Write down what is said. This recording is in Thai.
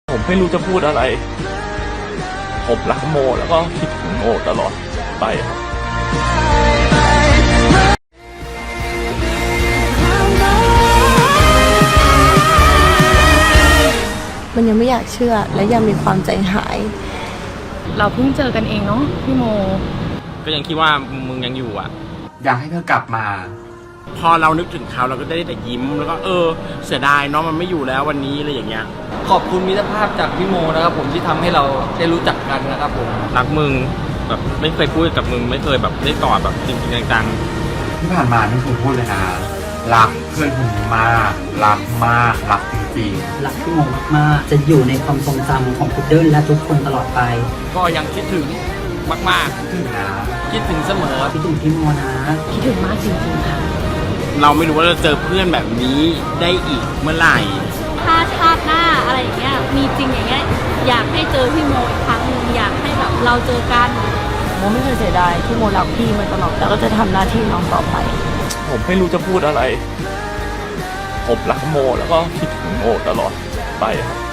ผมไม่รู้จะพูดอะไรผมรักโมแล้วก็คิดถึงโมตลอดไปครับมันยังไม่อยากเชื่อและยังมีความใจหายเราเพิ่งเจอกันเองเนาะพี่โมก็ยังคิดว่ามึงยังอยู่อ่ะอยากให้เธอกลับมาพอเรานึกถึงเขาเราก็ได้แต่ยิ้มแล้วก็เสียดายเนาะมันไม่อยู่แล้ววันนี้อะไรอย่างเงี้ยขอบคุณมิตรภาพจากพี่โมนะครับผมที่ทำให้เราได้รู้จักกันนะครับผมรักมึงแบบไม่เคยพูดกับมึงไม่เคยแบบได้กอดแบบจริงๆจังๆที่ผ่านมาไม่เคยพูดเลยนะรักเพื่อนคนนี้มากรักมากรักจริงๆรักพี่โมมากๆจะอยู่ในความทรงจำของพุดเดิ้ลและทุกคนตลอดไปก็ยังคิดถึงมากๆคิดถึงนะคิดถึงเสมอคิดถึงพี่โมนะคิดถึงมากจริงๆค่ะเราไม่รู้ว่าเราเจอเพื่อนแบบนี้ได้อีกเมื่อไหร่ถ้าชาติหน้าอะไรอย่างเงี้ยมีจริงอย่างเงี้ยอยากให้เจอพี่โมอีกครั้งนึงอยากให้แบบเราเจอกันโมไม่เคยเสียดายที่โมรักพี่มาตลอดแล้วก็จะทำหน้าที่น้องต่อไปผมไม่รู้จะพูดอะไรผมรักโมแล้วก็คิดถึงโมตลอดไปครับ